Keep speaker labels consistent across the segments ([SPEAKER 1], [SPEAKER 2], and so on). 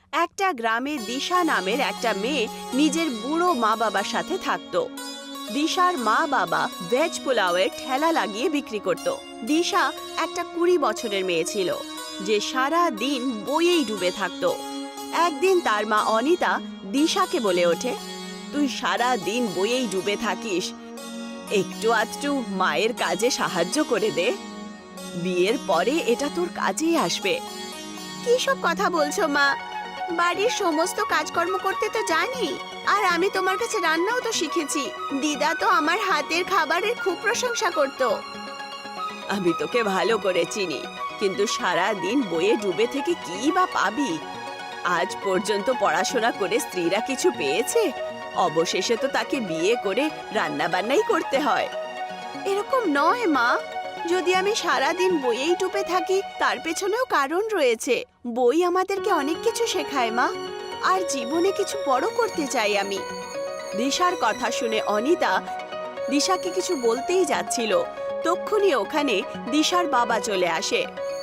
[SPEAKER 1] একটা গ্রামে দিশা নামের একটা মেয়ে নিজের বুড়ো মা বাবার সাথে থাকতো। দিশার মা বাবা ভেজ পোলাওয়ের ঠেলা লাগিয়ে বিক্রি করত। দিশা একটা 20 বছরের মেয়ে ছিল যে সারা দিন বইয়েই ডুবে থাকতো। একদিন তার মা অনিতা দিশাকে বলে ওঠে, তুই সারা দিন বইয়েই ডুবে থাকিস, একটু আধটু মায়ের কাজে সাহায্য করে দে, বিয়ের পরে এটা তোর কাজেই আসবে। কি সব কথা বলছো মা? বাড়ির সমস্ত কাজকর্ম করতে তো জানি, আর আমি তোমার কাছে রান্নাও তো শিখেছি। দিদা তো আমার হাতের খাবারের খুব প্রশংসা করত। আমি তোকে ভালো করে চিনি, কিন্তু সারা দিন বইয়ে ডুবে থেকে কি বা পাবি? আজ পর্যন্ত পড়াশোনা করে স্ত্রীরা কিছু পেয়েছে? অবশেষে তো তাকে বিয়ে করে রান্না বান্নাই করতে হয়। এরকম নয় মা, যদি আমি সারা দিন বইয়েই ডুবে থাকি তার পেছনেও কারণ রয়েছে। বই আমাদেরকে অনেক কিছু শেখায় মা, আর জীবনে কিছু বড় করতে চাই আমি। দিশার কথা শুনে অনিতা দিশাকে কিছু বলতেই যাচ্ছিল, তক্ষুনি ওখানে দিশার বাবা চলে আসে।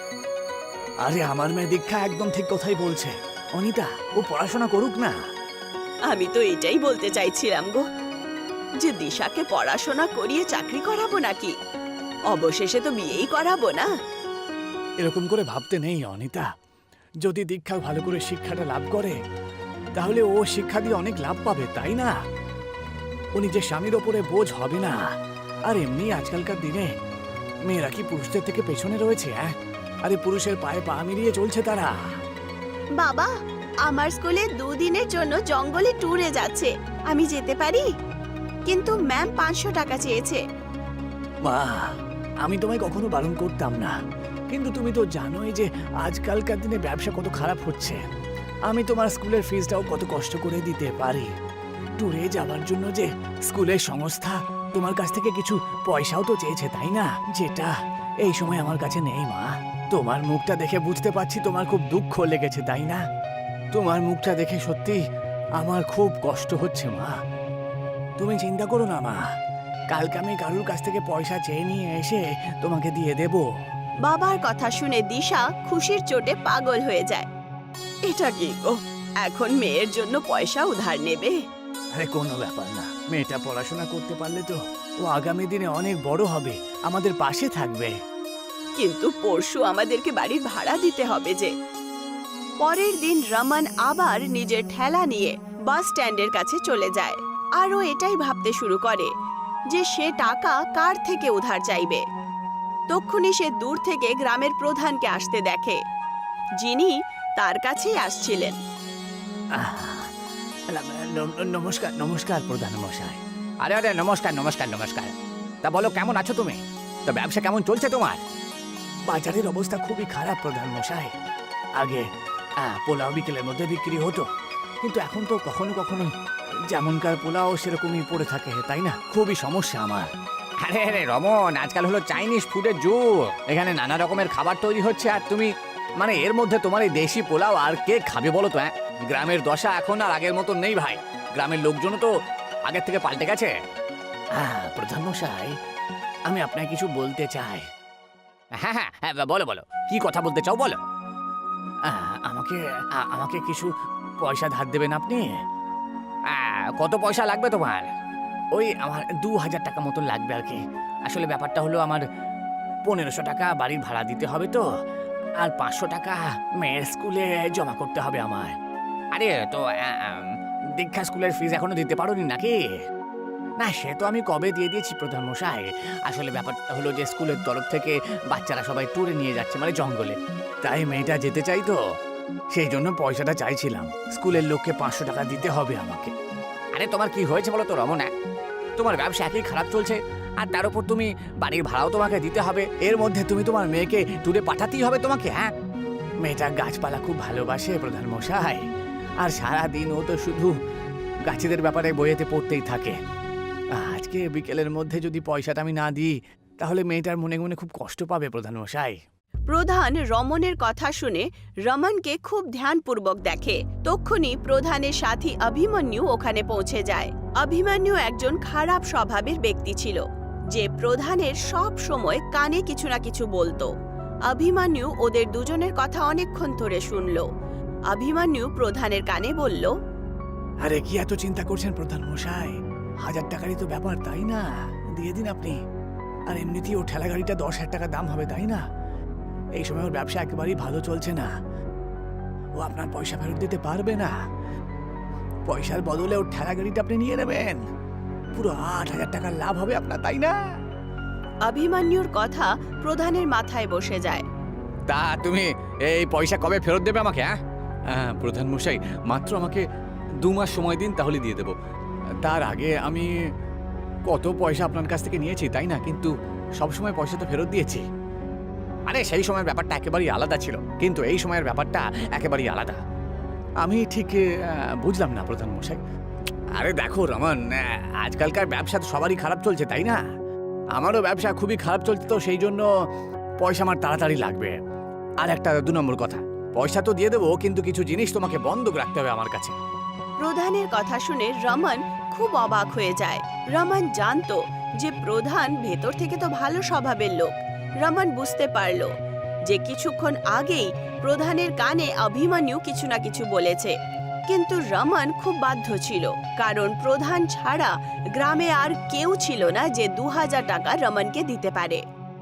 [SPEAKER 2] আরে আমার মেয়ে দীক্ষা একদম ঠিক কথাই বলছে। অনিতা, ও পড়াশোনা করুক না।
[SPEAKER 1] আমি তো এটাই বলতে চাইছিলাম গো, যে দিশাকে পড়াশোনা করিয়ে চাকরি করাবো নাকি? অবশেষে তো বিয়েই করাবো না।
[SPEAKER 2] এরকম করে ভাবতে নেই অনিতা। যদি দীক্ষা ভালো করে শিক্ষাটা লাভ করে, তাহলে ও শিক্ষা দিয়ে অনেক লাভ পাবে, তাই না? ও নিজের স্বামীর ওপরে বোঝ হবে না। আর এমনি আজকালকার দিনে মেয়েরা কি পুরুষদের থেকে পেছনে রয়েছে? আরে পুরুষের পায়ে পা মিলিয়ে চলছে তারা।
[SPEAKER 1] বাবা, আমার স্কুলে 2 দিনের জন্য জঙ্গলে ট্যুরে যাচ্ছে, আমি যেতে পারি? কিন্তু ম্যাম 500 টাকা চেয়েছে।
[SPEAKER 2] মা, আমি তোমায় কখনো বারণ করতাম না, কিন্তু তুমি তো জানোই যে আজকালকার দিনে ব্যবসা কত খারাপ হচ্ছে। আমি তোমার স্কুলের ফিসটাও কত কষ্ট করে দিতে পারি। ট্যুরে যাওয়ার জন্য যে স্কুলের সংস্থা তোমার কাছ থেকে কিছু পয়সাও তো চেয়েছে, তাই না? যেটা এই সময় আমার কাছে নেই মা। তোমার মুখটা দেখে বুঝতে পারছি তোমার খুব দুঃখ লেগেছে, তাই না? তোমার মুখটা দেখে সত্যি আমার খুব কষ্ট হচ্ছে মা। তুমি চিন্তা করো না মা, কালকে আমি কারুর কাছ থেকে পয়সা চেয়ে নিয়ে এসে তোমাকে দিয়ে দেব।
[SPEAKER 1] বাবার কথা শুনে দিশা খুশির চোটে পাগল হয়ে যায়। এটা কি গো, এখন মেয়ের জন্য পয়সা উধার নেবে?
[SPEAKER 2] আরে কোনো ব্যাপার না, মেয়েটা পড়াশোনা করতে পারলে তো ও আগামী দিনে অনেক বড় হবে, আমাদের পাশে থাকবে।
[SPEAKER 1] কিন্তু পরশু আমাদেরকে বাড়ির ভাড়া দিতে হবে যে। পরের দিন রমন আবার নিজের ঠেলা নিয়ে বাস স্ট্যান্ডের কাছে চলে যায়, আর ও এটাই ভাবতে শুরু করে যে সে টাকা কার থেকে উধার চাইবে। তক্ষুনি সে দূর থেকে গ্রামের প্রধানকে আসতে দেখে, যিনি তার কাছেই আসছিলেন।
[SPEAKER 2] নমস্কার নমস্কার প্রধান মশাই।
[SPEAKER 3] আরে আরে নমস্কার নমস্কার নমস্কার। তা বলো, কেমন আছো তুমি? তো ব্যবসা কেমন চলছে তোমার?
[SPEAKER 2] বাজারের অবস্থা খুবই খারাপ প্রধান মশাই। আগে পোলাও বিকেলের মধ্যে বিক্রি হতো, কিন্তু এখন তো কখনো কখনো যেমনকার পোলাও সেরকমই পড়ে থাকে, তাই না? খুবই সমস্যা আমার।
[SPEAKER 3] আরে আরে রমন, আজকাল হলো চাইনিজ ফুডের যুগ। এখানে নানা রকমের খাবার তৈরি হচ্ছে, আর তুমি মানে এর মধ্যে তোমার এই দেশি পোলাও আর কে খাবে বলো তো? গ্রামের দশা এখন আর আগের মতো নেই ভাই। গ্রামের লোকজনও তো আগের থেকে পাল্টে গেছে।
[SPEAKER 2] প্রধান মশাই, আমি আপনাকে কিছু বলতে চাই।
[SPEAKER 3] হ্যাঁ হ্যাঁ হ্যাঁ, বলো বলো, কি কথা বলতে চাও বলো।
[SPEAKER 2] আমাকে আমাকে কিছু পয়সা ধার দেবেন আপনি?
[SPEAKER 3] কত পয়সা লাগবে তোমার?
[SPEAKER 2] ওই আমার 2000 টাকা মতো লাগবে আর কি। আসলে ব্যাপারটা হলো আমার 1500 টাকা বাড়ির ভাড়া দিতে হবে তো, আর 500 টাকা মেয়ের স্কুলে জমা করতে হবে আমার।
[SPEAKER 3] আরে তো
[SPEAKER 2] দীক্ষা স্কুলের ফিস এখনো দিতে পারোনি নাকি? না, সে তো আমি কবে দিয়ে দিয়েছি প্রধান মশাই। আসলে ব্যাপারটা হলো যে স্কুলের তরফ থেকে বাচ্চারা সবাই ট্যুরে নিয়ে যাচ্ছে, মানে জঙ্গলে। তাই মেয়েটা যেতে চাই তো, সেই জন্য পয়সাটা চাইছিলাম। স্কুলের লোককে 500 টাকা দিতে হবে আমাকে।
[SPEAKER 3] আরে তোমার কি হয়েছে বলো তো রমন? তোমার ব্যবসা একই খারাপ চলছে, আর তার উপর তুমি বাড়ির ভাড়াও তোমাকে দিতে হবে।
[SPEAKER 2] এর মধ্যে তুমি তোমার মেয়েকে ট্যুরে পাঠাতেই হবে তোমাকে। মেয়েটা গাছপালা খুব ভালোবাসে প্রধান মশাই, আর সারাদিন ও তো শুধু গাছেদের ব্যাপারে বইয়েতে পড়তেই থাকে। আজকে বিকেলের মধ্যে যদি পয়সাটা আমি না দিই, তাহলে মেয়েটার মনে মনে খুব কষ্ট পাবে প্রধান মশাই।
[SPEAKER 1] প্রধান রমনের কথা শুনে রমনকে খুব ধ্যানপূর্বক দেখে। তক্ষুনি প্রধানের সাথী অভিমন্যু ওখানে পৌঁছে যায়। অভিমন্যু একজন খারাপ স্বভাবের ব্যক্তি ছিল, যে প্রধানের সব সময় কানে কিছু না কিছু বলতো। অভিমন্যু ওদের দুজনের কথা অনেকক্ষণ ধরে শুনল। অভিমন্যু প্রধানের কানে বলল,
[SPEAKER 2] আরে কি এত চিন্তা করছেন প্রধান মশাই? 1000 টাকারই তো ব্যাপার, তাই না? দিয়ে দিন আপনি। আর এমনিতেই ও ঠেলা গাড়িটা 10,000 টাকা দাম হবে, তাই না? এই সময় ওর ব্যবসা একেবারেই ভালো চলছে না। ও আপনার পয়সা ফেরত দিতে পারবে না। পয়সার বদলে ওর ঠেলা গাড়িটা আপনি নিয়ে নেবেন। পুরো 8,000 টাকার লাভ হবে আপনার, তাই না?
[SPEAKER 1] অভিমন্যুর কথা প্রধানের মাথায় বসে যায়।
[SPEAKER 3] তা তুমি এই পয়সা কবে ফেরত দেবে আমাকে? হ্যাঁ প্রধান মশাই, মাত্র আমাকে 2 মাস সময় দিন, তাহলে দিয়ে দেব। তার আগে আমি কত পয়সা আপনার কাছ থেকে নিয়েছি, তাই না? কিন্তু সব সময় পয়সা তো ফেরত দিয়েছি। আরে সেই সময়ের ব্যাপারটা একেবারেই আলাদা ছিল, কিন্তু এই সময়ের ব্যাপারটা একেবারেই আলাদা। আমি ঠিক বুঝলাম না প্রধান মশাই। আরে দেখো রমন, আজকালকার ব্যবসা তো সবারই খারাপ চলছে, তাই না? আমারও ব্যবসা খুবই খারাপ চলছে, তো সেই জন্য পয়সা আমার তাড়াতাড়ি লাগবে। আর একটা 2 নম্বর কথা, পয়সা তো দিয়ে দেবো, কিন্তু কিছু জিনিস তোমাকে বন্ধক রাখতে হবে আমার কাছে।
[SPEAKER 1] প্রধানের কথা শুনে রমন খুব অবাক হয়ে যায়। রমন জানতো যে প্রধান ভেতর থেকে তো ভালো স্বভাবের লোক। রমন বুঝতে পারল যে কিছুক্ষণ আগেই প্রধানের কানে অভিমন্যু কিছু না কিছু বলেছে, কিন্তু রমন খুব বাধ্য ছিল, কারণ প্রধান ছাড়া গ্রামে আর কেউ ছিল না যে 2000 টাকা রমনকে দিতে পারে।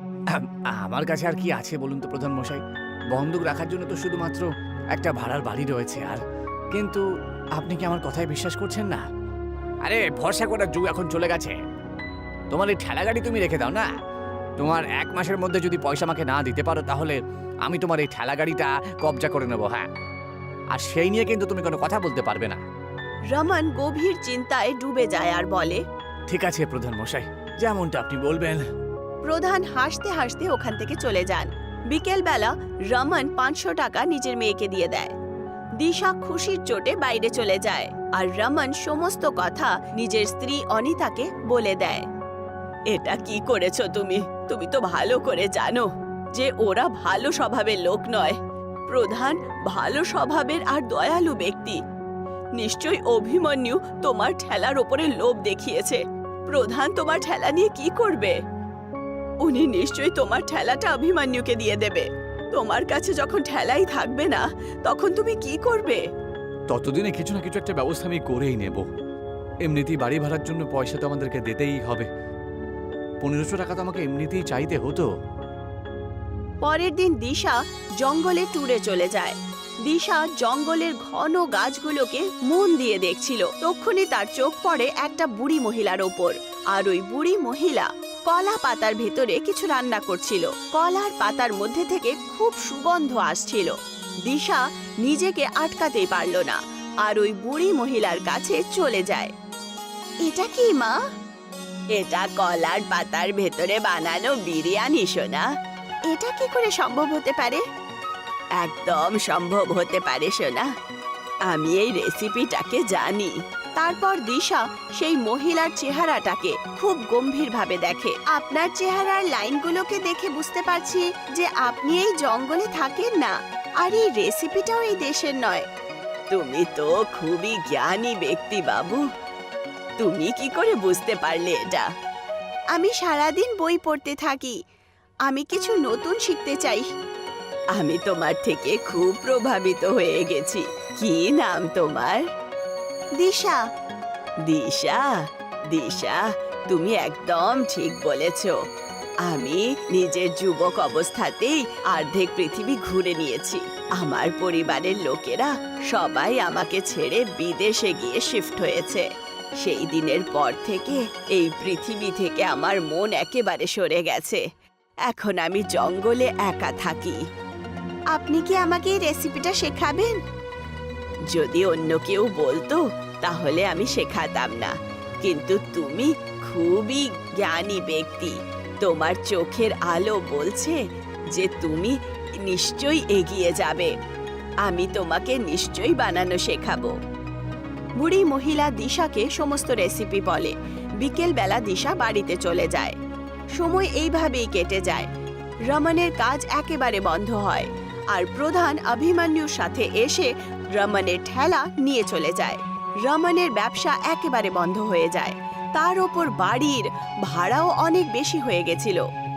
[SPEAKER 2] আমার কাছে আর কি আছে বলুন তো প্রধান মশাই? বন্ধক রাখার জন্য তো শুধুমাত্র একটা ভাড়ার বাড়ি রয়েছে। আর কিন্তু আপনি কি আমার কথায় বিশ্বাস করছেন না?
[SPEAKER 3] আরে ভরসা করার যুগ এখন চলে গেছে। তোমার এই ঠেলা গাড়ি তুমি রেখে দাও না। তোমার 1 মাসের মধ্যে যদি পয়সা আমাকে না দিতে পারো, তাহলে আমি তোমার এই ঠেলা গাড়িটা কবজা করে নেবো। হ্যাঁ, আর সেই নিয়ে কিন্তু তুমি কোনো কথা বলতে পারবে না।
[SPEAKER 1] রমন গভীর চিন্তায় ডুবে যায় আর বলে,
[SPEAKER 2] ঠিক আছে প্রধান মশাই, যেমনটা আপনি বলবেন।
[SPEAKER 1] প্রধান হাসতে হাসতে ওখান থেকে চলে যান। বিকেলবেলা রমন 500 টাকা নিজের মেয়েকে দিয়ে দেয়। দিশা খুশির চোটে বাইরে চলে যায়, আর রমন সমস্ত কথা নিজের স্ত্রী অনিতাকে বলে দেয়। এটা কি করেছো তুমি? তুমি তো ভালো করে জানো যে ওরা ভালো স্বভাবের লোক নয়। প্রধান ভালো স্বভাবের আর দয়ালু ব্যক্তি। নিশ্চয়ই অভিমন্যু তোমার ঠেলার ওপরে লোভ দেখিয়েছে। প্রধান তোমার ঠেলা নিয়ে কি করবে? উনি নিশ্চয়ই তোমার ঠেলাটা অভিমন্যুকে দিয়ে দেবে। তোমার কাছে যখন ঠেলাই থাকবে না, তখন তুমি কি করবে?
[SPEAKER 3] ততদিনে কিছু না কিছু একটা ব্যবস্থা আমি করেই নেব। এমনিতেই বাড়ি ভাড়ার জন্য পয়সা তো আমাদেরকে দিতেই হবে। 1500 টাকা তো আমাকে এমনিতেই চাইতে হতো।
[SPEAKER 1] পরের দিন দিশা জঙ্গলে ট্যুরে চলে যায়। দিশা জঙ্গলের ঘন গাছগুলোকে মন দিয়ে দেখছিল। তক্ষুনি তার চোখ পড়ে একটা বুড়ি মহিলার ওপর, আর ওই বুড়ি মহিলা কলা পাতার ভেতরে কিছু রান্না করছিল। কলার পাতার মধ্যে থেকে খুব সুগন্ধ আসছিল। দিশা নিজেকে আটকাতেই পারল না, আর ওই বুড়ি মহিলার কাছে চলে যায়। এটা কি মা? এটা কলার পাতার ভেতরে বানানো বিরিয়ানি সোনা। এটা কি করে সম্ভব হতে পারে? একদম সম্ভব হতে পারে সোনা। আমি এই রেসিপিটাকে জানি। তারপর দিশা সেই মহিলার চেহারাটাকে খুব গম্ভীরভাবে দেখে। আপনার চেহারার লাইনগুলোকে দেখে বুঝতে পারছি যে আপনি এই জঙ্গলে থাকেন না, আর এই রেসিপিটাও এই দেশের নয়। তুমি তো খুবই জ্ঞানী ব্যক্তি বাবু। তুমি কি করে বুঝতে পারলে এটা? আমি সারাদিন বই পড়তে থাকি। আমি কিছু নতুন শিখতে চাই। আমি তোমার থেকে খুব প্রভাবিত হয়ে গেছি। কি নাম তোমার? দিশা। দিশা, দিশা, তুমি একদম ঠিক বলেছ। আমি নিজের যুবক অবস্থাতেই অর্ধেক পৃথিবী ঘুরে নিয়েছি। আমার পরিবারের লোকেরা সবাই আমাকে ছেড়ে বিদেশে গিয়ে শিফট হয়েছে। সেই দিনের পর থেকে এই পৃথিবী থেকে আমার মন একেবারে সরে গেছে। এখন আমি জঙ্গলে একা থাকি। আপনি কি আমাকে এই রেসিপিটা শেখাবেন? যদি অন্য কেউ বলতো তাহলে আমি শেখাতাম না, কিন্তু তুমি খুবই জ্ঞানী ব্যক্তি। তোমার চোখের আলো বলছে যে তুমি নিশ্চয়ই এগিয়ে যাবে। আমি তোমাকে নিশ্চয়ই বানানো শেখাবো। বুড়ি মহিলা দিশাকে সমস্ত রেসিপি বলে। বিকেলবেলা দিশা বাড়িতে চলে যায়। সময় এইভাবেই কেটে যায়। রমনের কাজ একেবারে বন্ধ হয়, আর প্রধান অভিমন্যুর সাথে এসে রমনের ঠেলা নিয়ে চলে যায়। রমনের ব্যবসা একেবারে বন্ধ হয়ে যায়। তার ওপর বাড়ির ভাড়াও অনেক বেশি হয়ে গেছিল।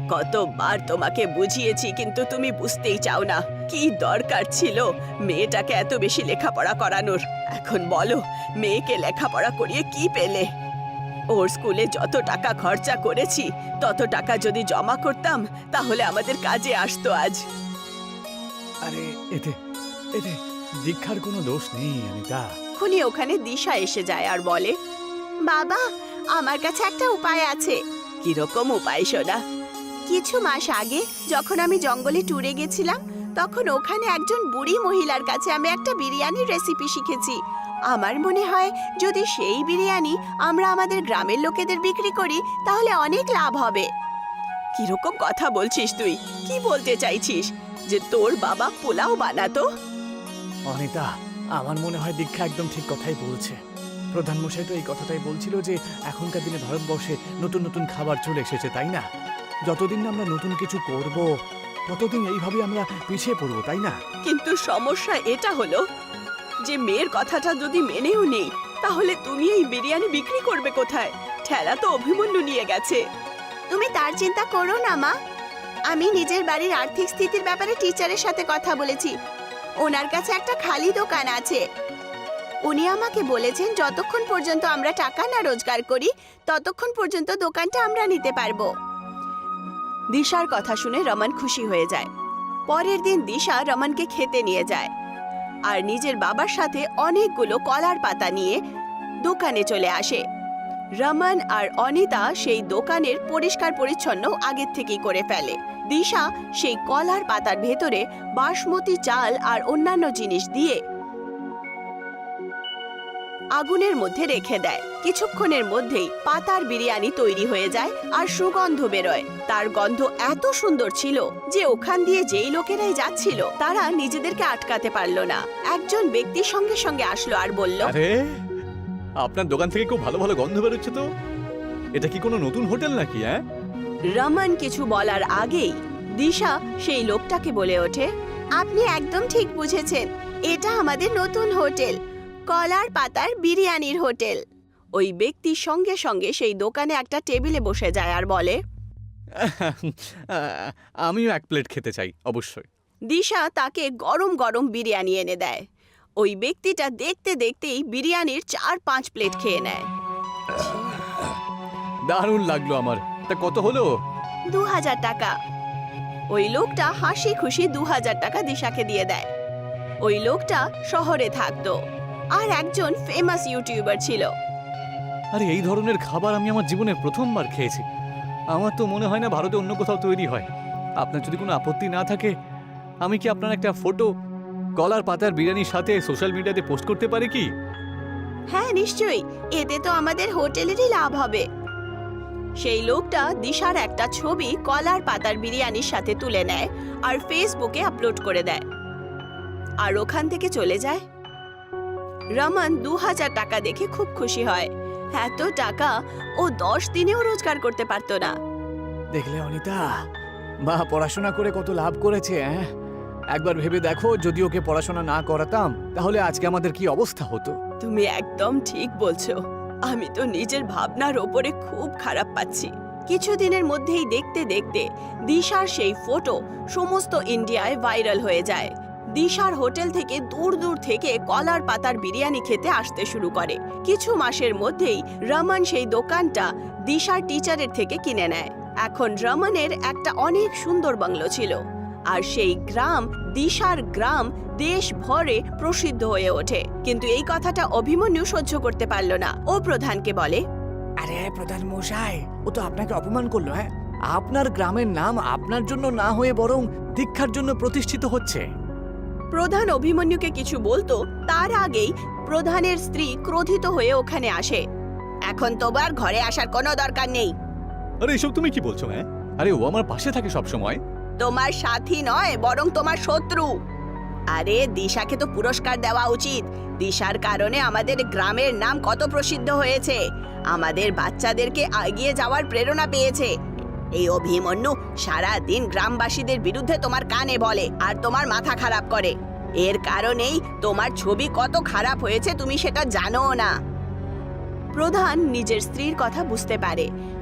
[SPEAKER 1] কতবার তোমাকে বুঝিয়েছি কিন্তু তুমি বুঝতেই চাও না। কি দরকার ছিল মেয়েটাকে এত বেশি লেখাপড়া করানোর? এখন বলো, মেয়েকে লেখাপড়া করিয়ে কি পেলে? ওর স্কুলে যত টাকা খরচা করেছি তত টাকা যদি জমা করতাম তাহলে আমাদের কাজে আসতো আজ।
[SPEAKER 2] আরে এতে এতে দীক্ষার কোনো দোষ নেই অনিতা।
[SPEAKER 1] খুনি ওখানে দিশা এসে যায় আর বলে, বাবা, আমার কাছে একটা উপায় আছে। কিরকম উপায় সোনা? কিছু মাস আগে যখন আমি জঙ্গলে ট্যুরে গেছিলাম তখন ওখানে একজন বুড়ি মহিলার কাছে আমি একটা বিরিয়ানির রেসিপি শিখেছি। আমার মনে হয় যদি সেই বিরিয়ানি আমরা আমাদের গ্রামের লোকেদের বিক্রি করি তাহলে অনেক লাভ হবে। কিরকম কথা বলছিস তুই? কি বলতে চাইছিস? যে তোর বাবা পোলাও বানাতো?
[SPEAKER 2] অনিতা, আমার মনে হয় দীক্ষা একদম ঠিক কথাই বলছে। প্রধানমশাই তো এই কথাটাই বলছিল যে এখনকার দিনে ভারতবর্ষে নতুন নতুন খাবার চলে এসেছে, তাই না? যতদিন না আমরা নতুন কিছু করব ততদিন এইভাবে আমরা পিছিয়ে পড়বো, তাই না?
[SPEAKER 1] কিন্তু সমস্যা এটা হলো যে মেয়ের কথাটা যদি মেনেও নেই তাহলে তুমি এই বিরিয়ানি বিক্রি করবে কোথায়? ঠেলা তো অভিমন্যু নিয়ে গেছে। তুমি তার চিন্তা করো না মা। আমি নিজের বাড়ির আর্থিক স্থিতির ব্যাপারে টিচারের সাথে কথা বলেছি। ওনার কাছে একটা খালি দোকান আছে। উনি আমাকে বলেছেন যতক্ষণ পর্যন্ত আমরা টাকা না রোজগার করি ততক্ষণ পর্যন্ত দোকানটা আমরা নিতে পারবো। দিশার কথা শুনে রমন খুশি হয়ে যায়। পরের দিন দিশা রমনকে খেতে নিয়ে যায় আর নিজের বাবার সাথে অনেকগুলো কলার পাতা নিয়ে দোকানে চলে আসে। রমন আর অনিতা সেই দোকানের পরিষ্কার পরিচ্ছন্ন আগের থেকেই করে ফেলে। দিশা সেই কলার পাতার ভেতরে বাসমতি চাল আর অন্যান্য জিনিস দিয়ে আগুনের মধ্যে রেখে দেয়। কিছুক্ষণের মধ্যেই পাতার বিরিয়ানি তৈরি হয়ে যায় আর সুগন্ধ বেরোয়। তার গন্ধ এত সুন্দর ছিল যে ওখান দিয়ে যেই লোকেরাই যাচ্ছিল তারা নিজেদেরকে আটকাতে পারল না। একজন ব্যক্তি সঙ্গে সঙ্গে আসলো আর বলল,
[SPEAKER 4] আরে আপনার দোকান থেকে খুব ভালো ভালো গন্ধ বেরোচ্ছে তো। এটা কি কোনো নতুন হোটেল নাকি? হ্যাঁ,
[SPEAKER 1] রমন কিছু বলার আগেই দিশা সেই লোকটাকে বলে ওঠে, আপনি একদম ঠিক বুঝেছেন, এটা আমাদের নতুন হোটেল, কলার পাতার বিরিয়ানির হোটেল। ওই ব্যক্তি সঙ্গে সঙ্গে সেই দোকানে একটা টেবিলে বসে যায় আর বলে,
[SPEAKER 4] আমিও এক প্লেট খেতে চাই অবশ্যই।
[SPEAKER 1] দিশা তাকে গরম গরম বিরিয়ানি এনে দেয়। ওই ব্যক্তিটা দেখতে দেখতেই বিরিয়ানির 4-5 প্লেট খেয়ে নেয়।
[SPEAKER 4] দারুণ লাগলো আমার। তা কত হলো?
[SPEAKER 1] 2000 টাকা। ওই লোকটা হাসি খুশি 2000 টাকা দিশাকে দিয়ে দেয়। ওই লোকটা শহরে থাকতো আর একজন ফেমাস ইউটিউবার ছিল।
[SPEAKER 4] আরে এই ধরনের খাবার আমি আমার জীবনে প্রথমবার খেয়েছি। আমার তো মনে হয় না ভারতে অন্য কোথাও তৈরি হয়। আপনার যদি কোনো আপত্তি না থাকে আমি কি আপনার একটা ফটো কলার পাতার বিরিয়ানির সাথে সোশ্যাল মিডিয়াতে পোস্ট করতে পারি কি?
[SPEAKER 1] হ্যাঁ নিশ্চয়ই, এতে তো আমাদের হোটেলেরই লাভ হবে। সেই লোকটা দিশার একটা ছবি কলার পাতার বিরিয়ানির সাথে তুলে নেয় আর ফেসবুকে আপলোড করে দেয় আর ওখান থেকে চলে যায়। রমন 2000 টাকা দেখে খুব খুশি হয়। এত টাকা ও 10 দিনেও রোজগার করতে পারতো না।
[SPEAKER 2] দেখলে অনিতা, মা পড়াশোনা করে কত লাভ করেছে। হ্যাঁ, একবার ভেবে দেখো, যদি ওকে পড়াশোনা না করাতাম তাহলে আজকে আমাদের কি অবস্থা হতো।
[SPEAKER 1] তুমি একদম ঠিক বলছো। আমি তো নিজের ভাবনার ওপরে খুব খারাপ পাচ্ছি। কিছুদিনের মধ্যেই দেখতে দেখতে দিশার সেই ফটো সমস্ত ইন্ডিয়ায় ভাইরাল হয়ে যায়। দিশার হোটেল থেকে দূর দূর থেকে কলার পাতার বিরিয়ানি খেতে আসতে শুরু করে। কিছু মাসের মধ্যেই রমন সেই দোকানটা দিশার টিচারের থেকে কিনে নেয়। এখন রমনের একটা অনেক সুন্দর বাংলো ছিল আর সেই গ্রাম দিশার গ্রাম দেশ ভরে প্রসিদ্ধ হয়ে ওঠে। কিন্তু এই কথাটা অভিমন্যু সহ্য করতে পারল না। ও প্রধানকে বলে,
[SPEAKER 2] আরে প্রধান মশাই, ও তো আপনাকে অপমান করলো। হ্যাঁ, আপনার গ্রামের নাম আপনার জন্য না হয়ে বরং দীক্ষার জন্য প্রতিষ্ঠিত হচ্ছে।
[SPEAKER 1] প্রধান অভিমন্যুকে কিছু বলতো তার আগেই প্রধানের স্ত্রী ক্রোধিত হয়ে ওখানে আসে। এখন তোমার ঘরে আসার কোনো দরকার নেই।
[SPEAKER 4] আরে এসব তুমি কি বলছো? হ্যাঁ, আরে ও আমার পাশে থাকে সব সময়।
[SPEAKER 1] তোমার সাথী নয় বরং তোমার শত্রু। আরে দিশাকে তো পুরস্কার দেওয়া উচিত। দিশার কারণে আমাদের গ্রামের নাম কত প্রসিদ্ধ হয়েছে, আমাদের বাচ্চাদেরকে এগিয়ে যাওয়ার প্রেরণা পেয়েছে। এই অভিমন্যু সারা দিন গ্রামবাসীদের বিরুদ্ধে তোমার কানে বলে আর তোমার মাথা খারাপ করে। এর কারণেই তোমার ছবি কত খারাপ হয়েছে তুমি সেটা জানো না। প্রধান নিজের স্ত্রীর কথা বুঝতে পারে।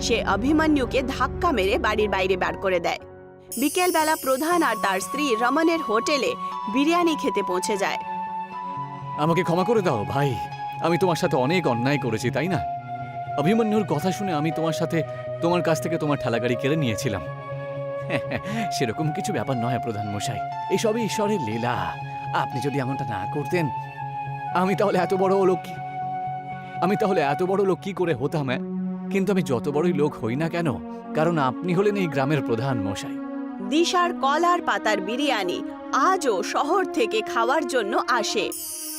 [SPEAKER 1] সে অভিমন্যুকে ধাক্কা মেরে বাড়ির বাইরে বার করে দেয়। বিকেলবেলা প্রধান আর তার স্ত্রী রমনের হোটেলে বিরিয়ানি খেতে পৌঁছে যায়।
[SPEAKER 4] আমাকে ক্ষমা করে দাও ভাই, আমি তোমার সাথে অনেক অন্যায় করেছি, তাই না? অভিমন্যুর কথা শুনে আমি তোমার কাছ থেকে তোমার ঠেলাগাড়ি কেড়ে নিয়েছিলাম। সেরকম কিছু ব্যাপার নয় প্রধান মশাই, এসবই ঈশ্বরের লীলা। আপনি যদি এমনটা না করতেন, আমি তাহলে এত বড় লোক কি করে হতাম? কিন্তু আমি যত বড়ই লোক হই না কেন, কারণ আপনি হলেন এই গ্রামের প্রধান মশাই।
[SPEAKER 1] দিশার কলার পাতার বিরিয়ানি আজও শহর থেকে খাওয়ার জন্য আসে।